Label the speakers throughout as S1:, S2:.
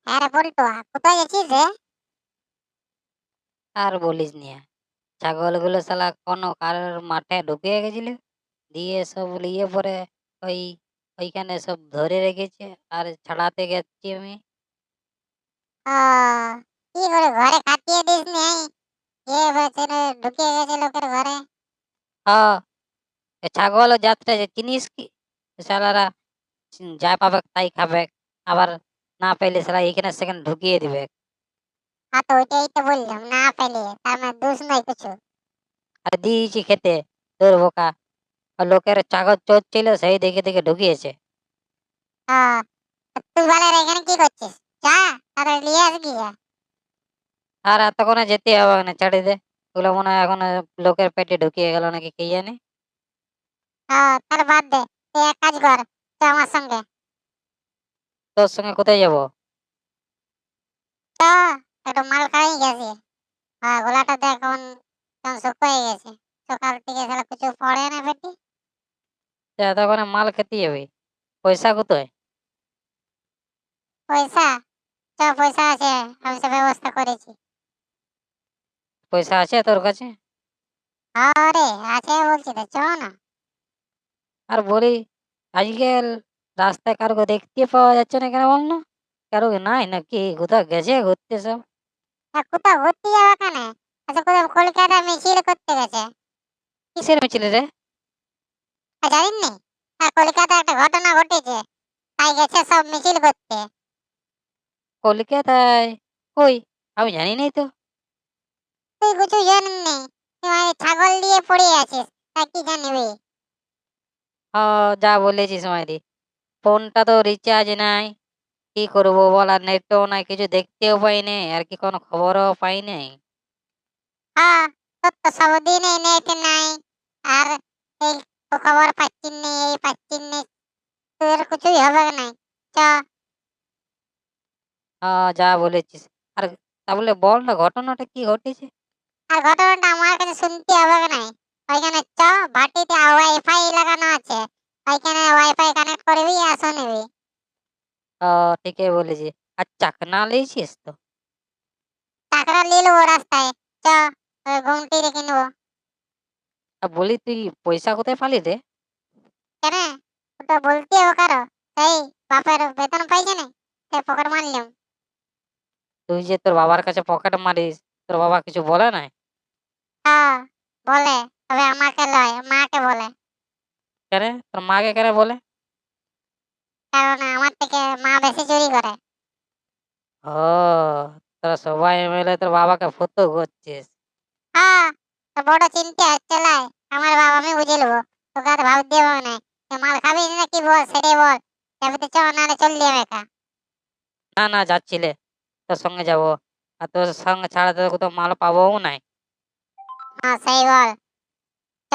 S1: হ্যাঁ রে বল্টু, কোথায় গেছিস রে?
S2: আর বলিস নিয়ে, ছাগলগুলো শালা কোনো কারোর মাঠে ঢুকিয়ে গেছিল, দিয়ে সব নিয়ে পরে ওই ওইখানে সব ধরে রেখেছে। আর ছাড়াতে গেছি আমি।
S1: ও, কি করে ঘরে খাটিয়ে দিস নি? কে বলছে রে ঢুকিয়ে গেছে লোকের ঘরে?
S2: হ্যাঁ, এ ছাগল ও যাত্রা যে চিনিস কি? শালারা যা পাবে তাই খাবে, আবার না পেলে শালা এখানে সেখানে ঢুকিয়ে দিবে।
S1: হ্যাঁ, তো ওইটাই তো বললাম, না পেলে তার মানে দোষ নাই কিছু।
S2: আর দিয়েছি খেতে, তোর বোকা। আর লোকের ছাগল চোর ছিল, সেই দেখে দেখে ঢুকিয়েছে।
S1: হ্যাঁ, তুই বলে রে এখানে কি করছিস? যা, তাড়াতাড়ি নিয়ে আস গিয়ে।
S2: আর এতক্ষণে যেতে হবে না, ছাড়ি দে। ওগুলো মনে হয় এখন লোকের পেটে ঢুকিয়ে গেল নাকি কে জানে।
S1: হ্যাঁ, তাহলে বাদ দে, তুই এক কাজ কর, তো আমার সঙ্গে
S2: তোর সঙ্গে কোথায় যাবো?
S1: তো একটু মাল খাই গেছি। হ্যাঁ, গলাটা দেখ এখন কেমন শুকিয়ে গেছে। সকাল থেকে শালা কিছু পড়ে না পেটি।
S2: এতক্ষণে মাল খেতে যাবি? পয়সা কোথায়?
S1: পয়সা, পয়সা আছে, আমি সব ব্যবস্থা করেছি।
S2: পয়সা আছে তোর কাছে?
S1: আরে আছে বলছি তো, চ না।
S2: আর বলি, আজকাল রাস্তায় কারো দেখতে পাওয়া যাচ্ছে না কেন বল না? কারো নাই নাকি, কোথাও গেছে ঘুরতে সব?
S1: কোথাও ঘুরতে যাওয়া কেন? আচ্ছা, কোথাও কলকাতা মিছিল করতে গেছে।
S2: কিসের মিছিল রে?
S1: জানিস নি? কলকাতা একটা ঘটনা ঘটেছে, তাই গেছে সব মিছিল করতে।
S2: কলকাতায়? কই, আমি জানি নাই তো।
S1: তুই কিছু জানিস নি? তুই মানে ছাগল দিয়ে পড়ে আছিস, তা কি জানিবি?
S2: যা বলেছিস মাইরি। ফোনটা তো রিচার্জ নাই, কি করবো বল? আর নেটও নাই, কিছু দেখতেও পাই নাই, আর কি কোনো খবরও পাই নাই।
S1: হ্যাঁ, তোর তো সবদিনই নেট নাই, আর এই খবর পাচ্ছিস নি, এই পাচ্ছিস নি, তোর কিছুই হবে না। চ।
S2: যা বলেছিস। আর তাহলে বল না, ঘটনাটা কি ঘটেছে?
S1: আর ঘটনাটা আমার কাছে শুনতে হবে না। ওইখানে চ, ভাটিতে ওয়াইফাই লাগানো আছে, ওইখানে ওয়াইফাই কানেক্ট করবি আর শুনবি।
S2: ঠিকই বলেছিস। আর চাকনা লিয়েছিস তো?
S1: টাকাটা নিয়ে নেবো রাস্তায়। চ, ওই ঘুমটি রেখে নেবো।
S2: আর বলি, তুই পয়সা কোথায় পালি রে?
S1: কেন? ওটা বলতে হবে কারো? সেই বাপের বেতন পাইছে না, সে পকেট মারলাম।
S2: তুই যে তোর বাবার কাছে পকেট মারিস, তোর বাবা কিছু বলে নাই?
S1: হ্যাঁ, বলে, তবে আমাকে লয়, মাকে বলে।
S2: কেন? তোর মাকে কেন বলে?
S1: কারণ আমার থেকে মা বেশি চুরি করে।
S2: ও, তোরা সবাই মিলে তোর বাবাকে ফতো করছিস।
S1: হ্যাঁ, তো বড় চিন্তা হচ্ছে লাই। আমার বাবা আমি বুঝে নেবো, তোকে আর ভাবতে হবে না। তুই মাল খাবি না কি বল, সেটাই বল। যাবি তো চ, নাহলে চল যাবে একা।
S2: না না, যাচ্ছিলে, তোর সঙ্গে যাবো। আর তোর সঙ্গে ছাড়া তো কোথাও মাল পাবোও নাই।
S1: হ্যাঁ, সেই বল, চ।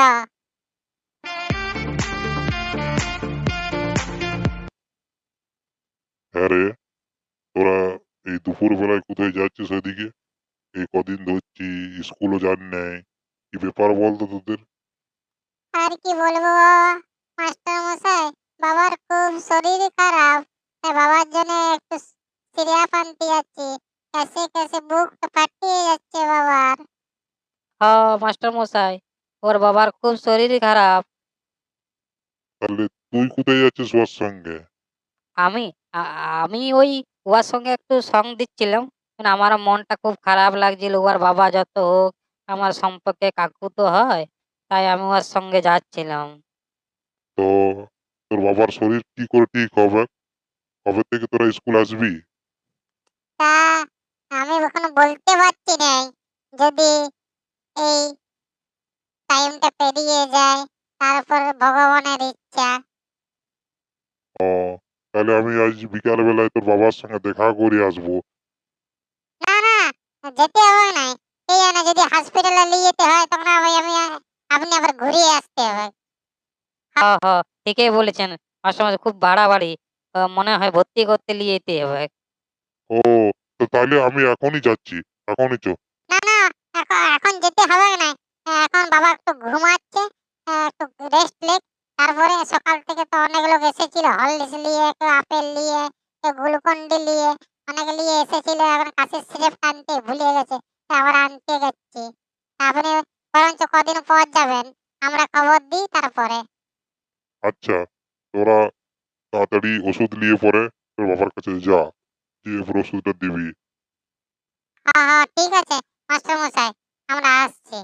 S3: হ্যাঁ রে, তোরা এই দুপুর বেলায় কোথায় যাচ্ছিস ওইদিকে? এই কদিন ধরছি স্কুলও যান নাই, কি ব্যাপার বলতো তোদের?
S1: আর কি বলবো মাস্টার মশাই, বাবার খুব শরীর খারাপ, তাই বাবার জন্য একটু সিরিয়াপ আনতে যাচ্ছি। কেসে কেসে বুক ফাটিয়ে যাচ্ছে বাবার।
S2: মাস্টার মশাই, ওর বাবার খুব শরীর খারাপ।
S3: তাহলে তুই কোথায় যাচ্ছিস ওর সঙ্গে?
S2: আমি আমি ওই উহার সঙ্গে একটু সঙ্গ দিচ্ছিলাম, কিন্তু আমার মনটা খুব খারাপ লাগছিল। উহার বাবা যত হোক আমার সম্পর্কে কাকু তো হয়, তাই আমি উহার সঙ্গে যাচ্ছিলাম।
S3: তো তোর বাবার শরীর কি করে ঠিক হবে? কবে থেকে তোরা স্কুল আসবি?
S1: তা আমি এখনো বলতে পারছি না, যদি এই টাইমটা পেরিয়ে যায়, তারপর ভগবানের ইচ্ছা।
S3: ও, তাহলে আমি আজ বিকাল বেলায় তোর বাবার সঙ্গে দেখা করে আসবো।
S1: না না, যেতে হবে না। এই জানে যদি হসপিটালে নিয়ে যেতে হয়, তখন আপনি আবার ঘুরিয়ে আসতে হবে।
S2: হ্যাঁ হ্যাঁ, ঠিকই বলেছেন। মাস্টার মশাই, খুব বাড়াবাড়ি। মনে হয় ভর্তি করতে নিয়ে যেতে হবে।
S3: ও, তো তাহলে আমি এখনই যাচ্ছি, এখনই চ।
S1: না না, এখন যেতে হবে না। এখন বাবা একটু ঘুমাচ্ছে, একটু রেস্ট লেক। তারপরে সকাল থেকে তো অনেক লোক এসেছিল, হরলিক্স নিয়ে, একটু আপেল নিয়ে, একটু গ্লুকন ডি নিয়ে, অনেক নিয়ে এসেছিল, এখন কাশির সিরাপ আনতে ভুলে গেছে, তা আবার আনতে যাচ্ছি। আপনি বরঞ্চ কদিন পর যাবেন, আমরা খবর দিই তারপরে।
S3: আচ্ছা, তোরা তাড়াতাড়ি ওষুধ নিয়ে পরে তোর বাবার কাছে যা, দিয়ে এরপর ওষুধটা দিবি।
S1: হ্যাঁ হ্যাঁ ঠিক আছে মাস্টার মশাই, আমরা আসছি।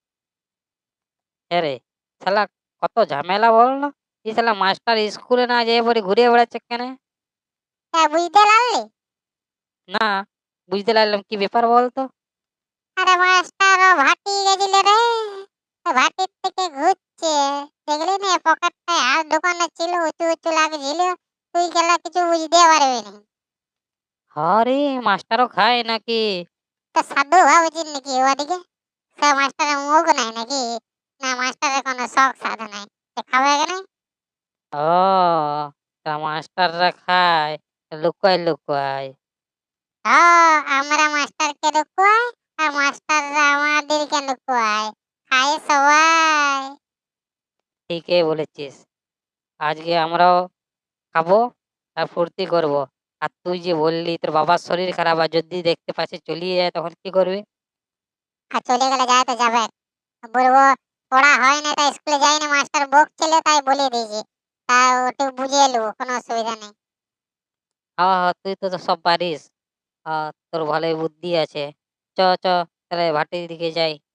S2: রে শালা কত ঝামেলা বল না, এই শালা মাস্টার স্কুলে না যেয়ে পরে ঘুরে বেড়াচ্ছে কেন?
S1: তা বুঝতে পারলি?
S2: না, বুঝতে পারলাম কি ব্যাপার বলতো।
S1: আরে মাস্টার ও ভাটি গেছিল রে, ও ভাটির থেকে ঘুরছে, দেখলি না পকেটটায় হাত ঢোকানো ছিল, উঁচু উঁচু লাগছিল, তুই গেলা কিছু বুঝতে পারবি না।
S2: আরে মাস্টারও খায় নাকি?
S1: তা সাধু ভাবছিস নাকি ওদিকে? সে মাস্টারের মুখ নাই নাকি? না মাস্টারের কোনো শখ সাধু নাই, সে খাবে কেন?
S2: ও, তা মাস্টাররা খায়, লুকায় লুকায়।
S1: আমরা মাস্টারকে লুকোয় আর মাস্টাররা আমাদেরকে লুকোয়, খায় সবাই।
S2: ঠিকই বলেছিস, আজকে আমরাও খাবো আর ফুর্তি করবো। আর তুই যে বললি তোর বাবার শরীর খারাপ, আর যদি দেখতে পাচ্ছি চলিয়ে যায় তখন কি করবি?
S1: আর চলে গেলে যায় তো যাবে, বলবো পড়া হয় না তাই স্কুলে যাইনি, মাস্টার বকছিল তাই বলে দিয়েছি, তা ওটু বুঝিয়ে নেবো, কোনো অসুবিধা নেই।
S2: হ্যাঁ হ্যাঁ, তুই তো সব পারিস। তোর ভালোই বুদ্ধি আছে। চ চ, তাহলে ভাটির দিকে যাই।